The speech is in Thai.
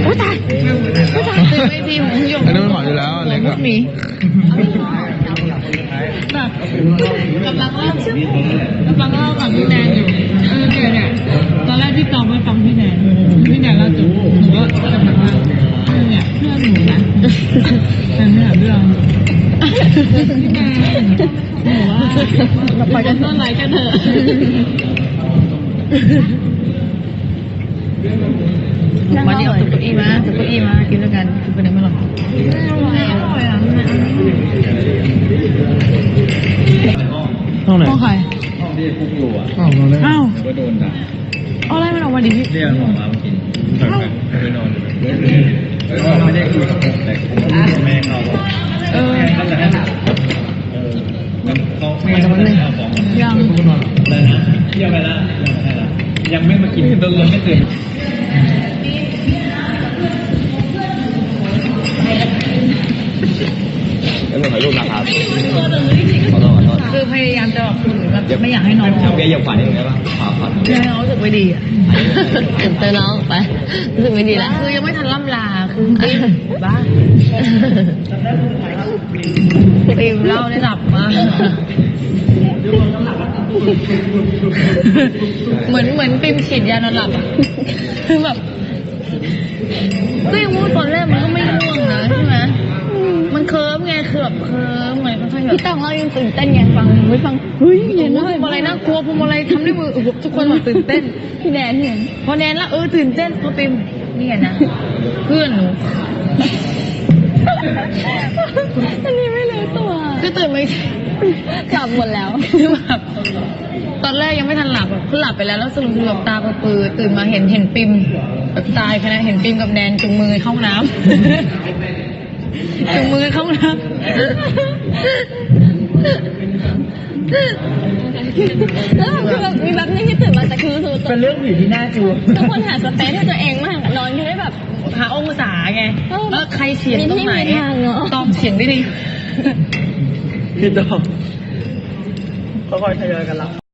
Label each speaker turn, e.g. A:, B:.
A: อ้ตายคือไม่ทีของหยก
B: อันนั้นมันหมอนอยู่แล้วอะไรก็
A: มีแบบกำลังเล่ากับพี่แนนอยู่เนี่ยตอนแรกพี่ตองไม่ฟังพี่แนนเล่าจบหนูก็กำลังว่าเนี่ยเพื่อนหนูนะแต่ไม่หาเรื่องพี่แนนหนูว่าไปกันต้นไรกันเถอะมาเดี๋ยวตุ๊กอี้มากินด้วยกันคือเป็นยังไงบ้างอร่อยอ่ะ
B: ห้องไหน
A: ห้องใคร
C: ห้องที่คุกอยู่อ่ะ
B: ห้องนั้นเลย
A: อ้าว
C: ก็โดนด่า
A: เอาอะไรมันออกมาดิพี่
C: เรียกออกมากินไปนอนแล้วก็ไม่ได้คุยกับผมแต่แม่เขาบอกเขาจะให้เขาไม่เอาของ
A: ยัง
C: แล้วนะเที่ยวไปแล้วยังไม่มากินยังไม่ตื่นแล้วถ่ายรูปนะครับขอโทษ
A: คือพยายามจะแบบแบบไม่อยากให้น้อง
C: เอาแกอย่าฝันอย่างนี้ป่ะฝัน
A: ให้น้องรู้สึกไม่ดีอ่ะ
D: เจอน้องไปรู้สึกไม่ดีแล้ว
A: คือยังไม่ทันล่ำลาคือบ้าปิมเล่าได้หลับมากเหมือนปิมฉีดยานอนหลับอ่ะคือแบบก็ยังว่าตอนแรกมันก็ไม่ง่วงนะใช่ไหมมันเคิร์ฟไงคือแบบเคิร์ฟไงค่อยๆแบบ
D: พี่ต้องเรายังตื่นเต้นไงฟังไม่ฟังเฮ้ยเห็น
A: พวงมาลัยน่ากลัวพวงมาลัยทำด้วยมือทุกคนแบบตื่นเต้น
D: พี่แดนเห็น
A: พอแนนแล้วตื่นเต้นพอปิมนี่ไงนะเพื่อนหนู
D: อันนี้ไม่รู้ตัว
A: ก็ตื่นไม่
D: กลับหมดแล้ว
A: คือแบบตอนแรกยังไม่ทันหลับแบบคือหลับไปแล้วแล้วสรุปแบบตาปือตื่นมาเห็นปิมแบบตายขนาดเห็นปิมกับแนนจุงมือเข้าน้ำ จุงมือเข้าน้ำ
D: แล้วคือแบบมีแบบนึงที่ตื่นมาแต่คือรู้ตัว
A: เป็นเรื่องผีที่น่ากลัว
D: ทุกคนหาสเปซให้ตัวเองมากนอนอยู่ได้แบบ
A: หาองศาไงแล้วใครเสียงตรงไหน
D: มีที่มีทางเนอะ
A: ต้องเสียงได้ดี
B: พี่ต้องค่อยๆทยอยกันรับ